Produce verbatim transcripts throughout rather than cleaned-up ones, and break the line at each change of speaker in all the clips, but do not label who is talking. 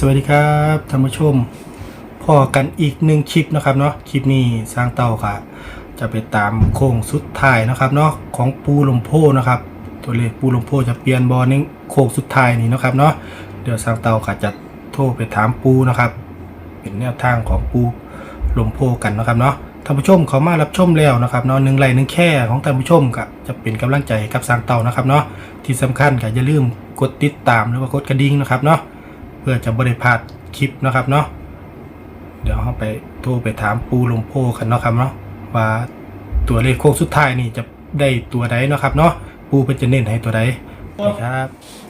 วัสดีครับท่านผู้ชมพอกันอีกหนึ่งคลิปนะครับเนาะคลิปนี้สร้างเต่าค่ะจะไปตามโค้งสุดท้ายนะครับเนาะของปูลมโพนะครับตัวเลขปูลมโพจะเปลี่ยนบอลในโค้งสุดท้ายนี้นะครับเนาะเดี๋ยวสร้างเต่าค่ะจะโทรไปถามปูนะครับเป็นแนวทางของปูลมโพกันนะครับเนาะท่านผู้ชมเขามารับชมแล้วนะครับเนาะหนึ่งไลค์หนึ่งแค่ของท่านผู้ชมก็จะเป็นกำลังใจกับสร้างเต่านะครับเนาะที่สำคัญก็อย่าลืมกดติดตามหรือว่ากดกระดิ่งนะครับเนาะเพื่อจะบริพลาดคลิปนะครับเนาะเดี๋ยวเราไปโทรไปถามปูลมโพกันเนาะครับเนาะว่าตัวเลขโค้งสุดท้ายนี่จะได้ตัวใดเนาะครับเนาะปูเป็นจะเน้นให้ตัวใดครับ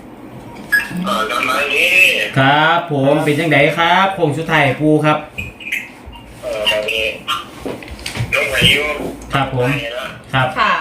ครับผมเป็นจังไดครับโค้งสุดท้ายปูครับ
เออตอนนี้ลงอายุ
ครับผมครับ
ค่ะ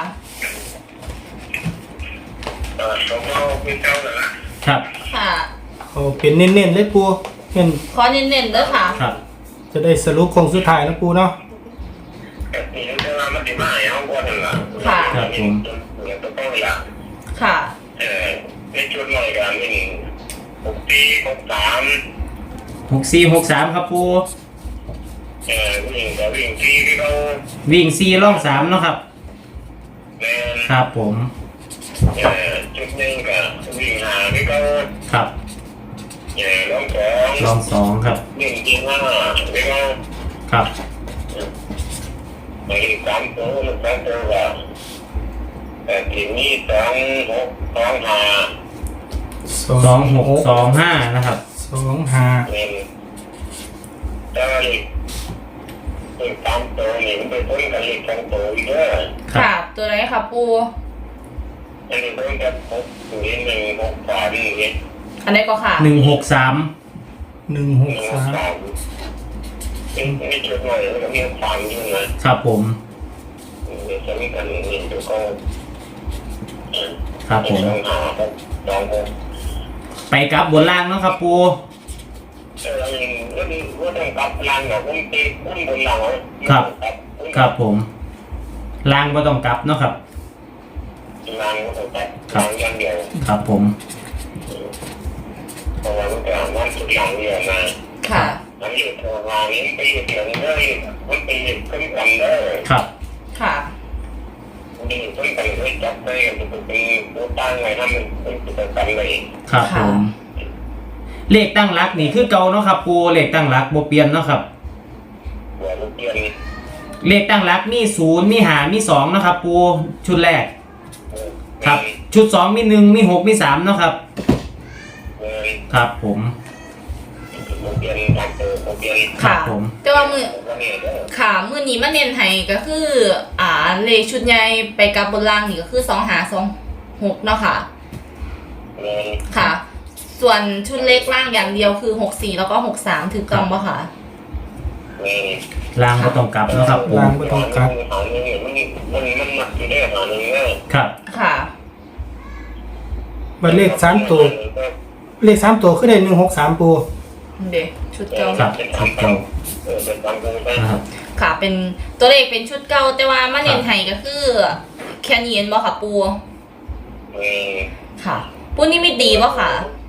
เออสมมติเป็นเจ้าแล้ว
ครับ
ค่ะ
เขาเป็นเน้นๆเลยปูเน้น
ขอเน้นๆด้วยค่ะ
ครับ
จะได้สรุปโค้งสุดท้ายนะปูเนาะ
แบบนี้เรื่องมันจะมาเอาก่อนละ
ค่ะ
ครับผม
เนี่ยต้องต้องอย่าง
ค่ะ
เออในชุดหน่อยกันนี่หกปีหกสาม
หกสี่หกสามครับปู
เออวิ่งกับวิ่งที่ที่เรา
วิ่งสี่ล่องสามเนาะครับ
แม่
ครับผม
เออจุดหนึ่งกับวิ่งหาที่เรา
ครับ
เออลองสอง
ลองสองครับ
วิ่งจริงห้าที่เรา
ครับ
ไปสามตัวสามตัวกับแต่ทีนี้สองหกสองห้า
สองหกสองห้านะครับ
สองห้า
เป็นได้เป็นสามตัวนี่มันเป็นต้นกันอีกสองตัวอีกด้วย
ค่ะตัวไหนค่ะปู
อันนี้ต้นกับหกนี่หนึ่งหกสามนี่
อันไหนก็ค่ะ
หนึ่งหกสาม
หนึ่งหกสาม
เป็นไม่จุดหน่อยแล้วก็มีสามอยู่
นะครับผม
เดี๋ยวจะมีกันหนึ่งตัวก็
ครับผม
สองห้าสองหก
ไปกับบนล่างเนาะครับปู
เออว่าว่าต้องกลับล่างแบบว่าตีอุ้มบนหลัง
ครับครับผมล่างก็ต้องกลับเนาะครับ
ล่างก็ต้องกลับล่างอย่างเดียว
ครับผม
เพราะว่ามันจะมันสุดหลังเดียวนะ
ค่ะ
มันอยู่ทางล่างนี้ไปอยู่ที่ไหนเลยมันไปอยู่ขึ้นกันเลย
ครับ
ค่ะ
นี่ขึ้นกันเลยจับได้จะเป็นตัวตั้งไงทำมันเป็นตัวกันเลย
ครับผมเลขตั้งรักนี่คือเก่าเนาะครับปูเลขตั้งรักโบเปลี่ยนเนาะครับ
หัวโบเปลี่ยน
เลขตั้งรักมีศูนย์มีหามีสองนะครับปูชุดแรกครับชุดสองมีหนึ่งมีหกมีสามเนาะครับครับผม
ค่ะแต่ว่ามือค่ะมือนี้มาเน้นให้ก็คืออ่าเลขชุดใหญ่ไปกับบนล่างนี่ก็คือสองหาสองหกเนาะค่ะค่ะส่วนชุดเล็กล่างอย่างเดียวคือหกสี่แล้วก็หกสามถือกล่องป่ะค่ะ
ล่างก็ต้องกลับนะครับผม
ล่างก็ต้องกลับ
มันมันหนักอยู่ได้หาหนึ่งเลย
ครับ
ค่ะ
บัตรเลขสามตัวเลขสามตัวคือได้หนึ่งหกสามปู
เด็กชุดเก่า
ครับชุดเก่า
ครับค่ะเป็นตัวเลขเป็นชุดเก่าแต่ว่ามาเน้นให้ก็คือแค่นี้เองบ่ค่ะปูค่ะปูนี่ไม่ดีป่ะค่ะ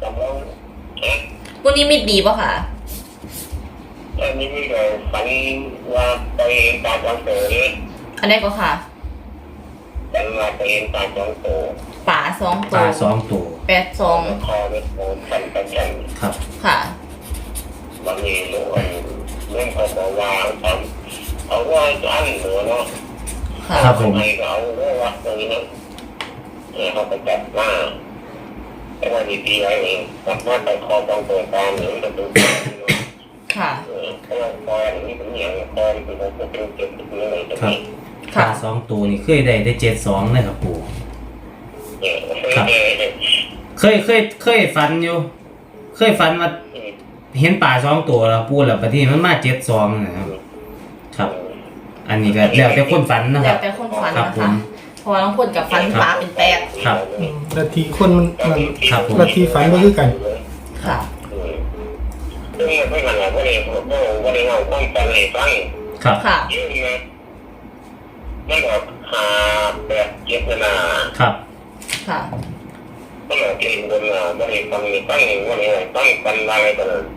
ปูนี่ไม่ดีป่ะค่ะ
อันนี้มีเราฝันว่าไปเห็นตาสองตัวนี่
อันนี้ก็ค่ะ
ฝันว่าไปเห็นตาสองตัว
ป่าสองตัว
ป่าสองตัว
แปดสอง
คอเป็นโอนฝันประจัน
ครับ
ค่ะ
บางทีรู้ว่าเรื่องเขาบอกว่าทำเขาว่าจะอั้นหัวเนาะ
ครับผม
ให้เขาเรื่องว่าตรงนี้เขาไปจับหน้าแต่ว่าดีๆไว้เองจับหน้าไปคอต้องตัวตามหรือจะดู
ค่ะ
เพราะว่าคอนี่เป็นอย่างคอเป็นคนเป็นเจ็บเลยตรงนี้
ป่าสองตัวนี่เคยได้ได้เจ็ดสองเลยครับปู่ครับเคยเคยเคยฝันอยู่เคยฝันว่าเห็นป่าสองตัวแล้วปูแล้วปฏิมันมาเจ็ดสองนะครับครับอันนี้ก็แล้วแต่คนฝันนะครับ
แล้วแต่คนฝันนะคะพอน้องคนกับฝันป่าเป็นแปด
ครับ
นาทีคนมันมันนาทีฝันก็คือกัน
ค่ะ
ซึ่งไม่ขนาดว่าเองว่าเองเอาความฝันให้ฟัง
ครับ
ค่ะ
มันออกหาแบบเจ็บนา
ครับ
ค่ะ
ก็เราเองคนเราไม่ได้ฟังไม่ฟังว่าเองฟังฟันอะไรกัน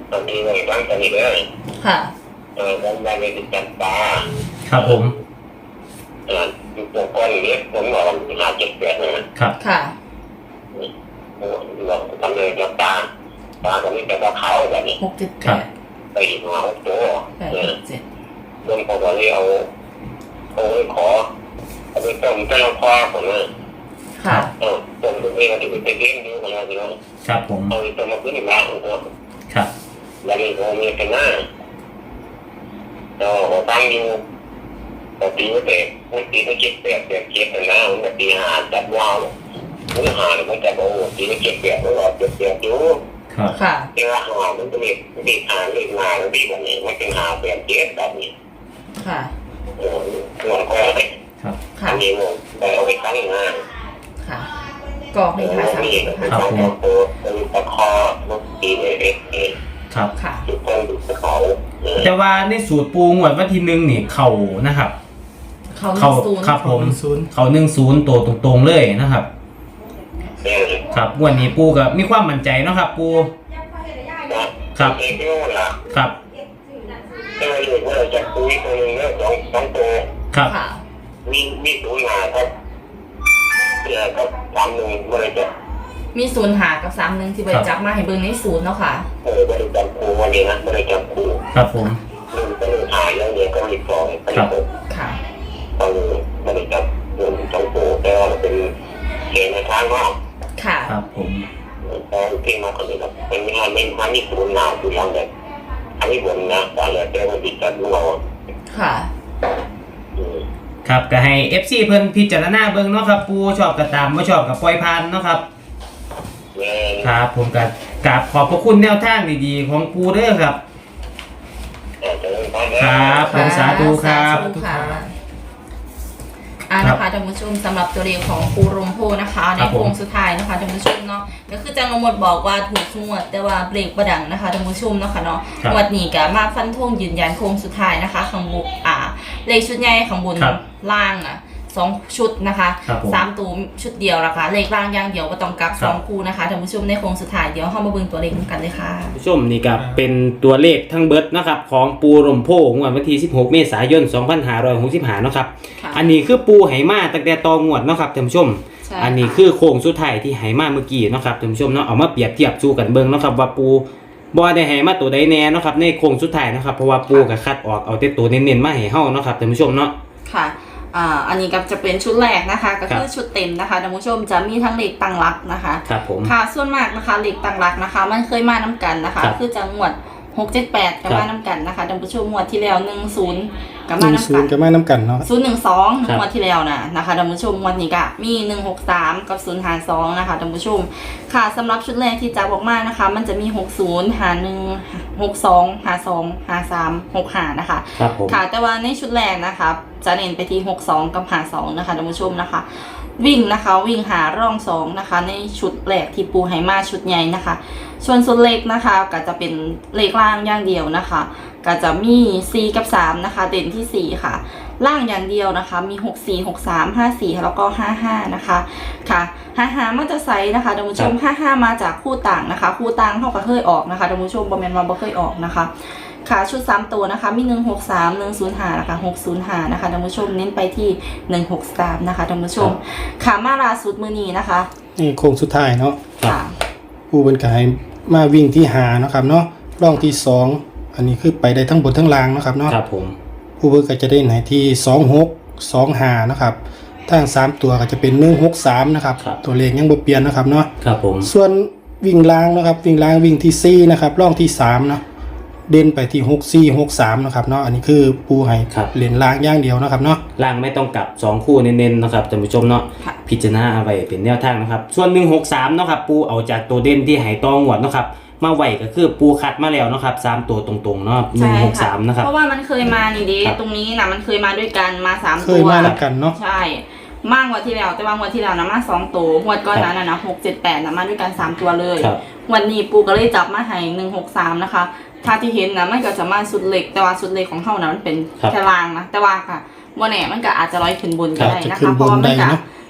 ตอนนี้เลยบ้างตอนนี้เลย
ค่ะ
เออวันวันนี้ติดจับปลา
ครับผม
เอออยู่ตัวก้อนนี้ผมบอกห้าเจ็ดแปดนะครับ
ค่ะ
เราทำเลยจับปลาปลาตอนนี้เป็นปลาเขาแบบนี้
หกเจ็ดแปด
ไปอีกมาหกตัว
แปด
เออ
เจ็ด
เรื่องของเราเอาเอาไว้ขอเอาไปต้มเจ้าพ่อผมเลย
ค่ะ
เออต้มตรงนี้มันจะเป็นเลี้ยงดูของเราเนาะ
ครับผม
เอาไปต้มมาพื้นบ้านของเรา
ครับ
แล้วมีโอมีเป็นหน้าเราตั้งอยู่ปกติไม่เตะปกติไม่เก็บเปียกเปียกเก็บเป็นหน้ามันจะตีหาจับว่าวมันหาเนี่ยมันจะบอกตีไม่เก็บเปียกมันหลอดเปียกเปียกอยู่
ครับ
ค่ะ
แต่ว่าหามันจะมีมีหาเรื่องงานมันดีแบบนี้มันเป็นหาเปียกเก็บแบบนี้
ค่ะ
เออหัวก็ได้
ครับ
ค่ะ
อันนี้มันแต่เอาไปตั้งงาน
ค่ะกรอกในภาษา
มีเป็นสองตัวเป็นตะคอลูกตีเล็กเอง
ครับ
ค่ะ
ทุกคนดูสเขาเออ
แต่ว่าในสูตรปูงวดวันที่หนึ่งนี่เข่านะครับ
เขา
เข่า
ศูนย์
ครับผม
ศูนย์
เข่าหนึ่งศูนย์ตัวตรงๆเลยนะครับ
เออ
ครับงวดนี้ปูก็มีความมั่นใจเนาะครับ ปู ครับ
เองก็ล่ะ
ครับ
ถ้าเราอยู่ว่าเราจะคุยตัวนึงเนี่ยสองสองตัว
ครับ
ค่ะ
มีมีตัวหนาครับเนี่ยครับสามหนึ่งว่าเราจะ
มีศูนย์หากับสามหนึ่งที่บริจาคมาให้เบิ่งในศูนย์เนาะค่ะ
เออว่าเราจะครูวันนี้นะว่าเราจะครู
ครับผม
หนึ่งก็หนึ่งหายแล้วเนี่ยก็มีสองก็มีหก
ค่ะ
ตอนนี้ว่าเราจะหนึ่งสองตัวแต่ว่าเป็นเสียงในทางว่า
ค่ะ
ครับผม
ตอนที่มาคนนี้ครับเป็นงานเป็นงานมีศูนย์หนาคือยังแบบอันนี้บนนะตอนแรกแต่ว่าติดกันเรา
ค่ะ
อืม
ครับก็ให้ เอฟ ซี เพิ่นพิจารณาเบิ่งเนาะครับ ปูชอบก็ตามบ่ชอบก็ปล่อยผ่านเนาะครับ
แม่
ครับผมก็กราบขอบพระคุณแนวทางดีๆของปูเด้อครับ
อาจจะเริ่มต้น
ครับ ผมสาธุครับ
สาธุค่ะอ่านะคะท่านผู้ชมสำหรับตัวเลขของปูรมโพนะคะในโค้งสุดท้ายนะคะท่านผู้ชมเนาะก็คือจังหมดบอกว่าถูกงวดแต่ว่าเบรกประดังนะคะท่านผู้ชมเนาะค่ะเนาะ
ครับ
งวดนี้ก็มาฟันธงยืนยันโค้งสุดท้ายนะคะข้างบนอ่าเลขชุดใหญ่ข้างบน
ครับ
ล่างอ่ะสองชุดนะคะ
ครับผม
สามตัวชุดเดียวนะคะเลขล่างอย่างเดียวก็ต้องกลับ
ครับ
สองคู่นะคะท่านผู้ชมในโค้งสุดท้ายเดี๋ยวเข้ามาเบิ่งตัวเลขกันเลยค่ะ
ผู้ชมนี่ก็เป็นตัวเลขทั้งเบิดนะครับของปูรมโพงวดวันที่สิบหกเมษายนสองพันห้าร้อยหกสิบห้าเนาะครับ
ค่ะ
อันนี้คือปูไหมาตั้งแต่ตองวดเนาะครับท่านผู้ชม
ใช่
อันนี้คือโค้งสุดท้ายที่ไหมาเมื่อกี้เนาะครับท่านผู้ชมเนาะเอามาเปรียบเทียบสู้กันเบิ่งเนาะครับว่าปูบ่ได้ไหมาตัวใดแน่เนาะครับในโค้งสุดท้ายนะครับเพราะว่าปูก็คัดออกเอาแต่ตัวเน้นๆมาให้เฮาเนาะครับท่านผู้ชมเนาะ
ค่ะ อ่า อันนี้ก็จะเป็นชุดแรกนะคะ ก็คือ
ครับ
ชุดเต็มนะคะท่านผู้ชมจะมีทั้งเหล็กตั้งรักนะคะ
ครับผม
ค่ะ ส่วนมากนะคะเหล็กตั้งรักนะคะ มันเคยมาน้ำกันนะคะ
ครับ
คือจังหวัดหกเจ็ดแปดกับ
ครับ
มาน้ำกันนะคะท่านผู้ชมงวดที่แล้วหนึ่งศูนย์กับ
ห
มา
นึ่งศู
น้ำ
น
กั
ย์
น
ก็มาน้ำกันเนาะ
ศูนย์หนึ่งสอง
ครับ
งวดที่แล้วนะนะคะท่านผู้ชมงวดนี้ก็มีหนึ่งหกสามกับศูนย์หาสองนะคะท่านผู้ชมค่ะสำหรับชุดแรกที่จะบอกมานะคะ มันจะมีหกศูนย์หาหนึ่งหกสองหาสองหาสามหกหานะคะ
ครับผม
ค่ะแต่ว่าในชุดแรกนะคะจะเน้นไปที่หกสองกับหาสองนะคะท่านผู้ชมนะคะ วิ่งนะคะวิ่งหาร่องสองนะคะ ในชุดแรกที่ปูไหมาชุดใหญ่นะคะส่วนส่วนเล็กนะคะก็จะเป็นเลขล่างอย่างเดียวนะคะก็จะมีสี่กับสามนะคะเด่นที่สี่ค่ะ ล่างอย่างเดียวนะคะมีหกสี่ หกสาม ห้าสี่แล้วก็ห้าห้านะคะค่ะห้าห้ามาจะไซส์นะคะท่านผู้ชมห้าห้ามาจากคู่ต่างนะคะ คู่ต่างเท่ากับเคยออกนะคะท่านผู้ชมบ่แม่นว่าบ่เคยออกนะคะ ค่ะชุดสามตัวนะคะมีหนึ่งหกสาม หนึ่งศูนย์ห้านะคะหกศูนย์ห้านะคะท่านผู้ชมเน้นไปที่หนึ่งหกสามนะคะท่านผู้ชมค่ะมาล่าสุดมื้อนี้นะคะ
นี่โค้งสุดท้ายเนาะ
ครับ
ค่ะ
ผู้เป็นกายมาวิ่งที่หาเนาะครับเนาะร่องที่สองอันนี้คือไปได้ทั้งบนทั้งล่างเนาะครับเนาะ
ครับผม
ผู้เบิกก็จะได้ไหนที่สองหก สองห้านะครับทางสามตัวก็จะเป็นหนึ่งหกสามนะครับตัวเลขยังบ่เปลี่ยนนะครับเนาะ
ครับผม
ส่วนวิ่งล่างนะครับวิ่งล่างวิ่งที่สี่นะครับร่องที่สามเนาะเด่นไปที่หกสี่ หกสามนะครับเนาะอันนี้คือปูให้เหรียญล่างอย่างเดียวนะครับเนาะ
ล่างไม่ต้องกลับสองคู่เน้นๆนะครับท่านผู้ชมเนาะ
ค่ะ
พิจารณาเอาไว้เป็นแนวทางนะครับส่วนหนึ่งหกสามเนาะครับปูเอาจากตัวเด่นที่ไหตองหวดเนาะครับมาไหวก็คือปูคัดมาแล้วเนาะครับสามตัวตรงๆเนาะหนึ่งหกสามนะครับ
เพราะว่ามันเคยมานี่ดิ
ครับ
ตรงนี้นะมันเคยมาด้วยกันมาสาม
เค
ตั
ยว มาแล้วกันเนาะ
ใช่มากกว่าที่แล้วแต่ว่างวดที่แล้วนะมาสองตัวงวดก้อนนั้นนะนะหกเจ็ดแปดนะมาด้วยกันสามตัวเลย
ครับ
วันนี้ปูก็เลยจับมาให้หนึ่งหกสามนะคะ ถ้าที่เห็นนะมันก็จะมาสุดเล็กแต่ว่าสุดเล็กของเขานะมันเป็น
ครับ
แค่ล่างนะแต่ว่าค่ะวันแหนมันก็อาจจะร้อยขึ้นบนก็ได้นะ
อาจจะขึ้
คะ
น
เพ
บน
ราะว่ามัน
ได้
ก็
เนอะ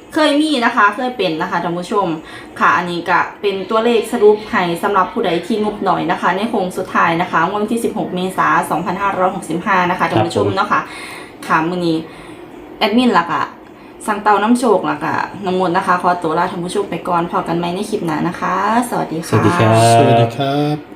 เคยมีนะคะเคยเป็นนะคะท่านผู้ชมค่ะอันนี้ก็เป็นตัวเลขสรุปให้สำหรับผู้ใดที่งบหน่อยนะคะในโค้งสุดท้ายนะคะวันที่สิบหกเมษายนสองพันห้าร้อยหกสิบห้านะคะท่านผู้ชมเนาะค่ะค่ะมื้อนี้แอดมินล่ะค่ะสังเตาน้ำโชคล่ะค่ะน้ำมนต์นะคะขอตัวลาท่านผู้ชมไปก่อนพอกันไหมในคลิปหน้านะคะสวัสดีค่ะ
สวัสดีครับ
สวัสดีครับ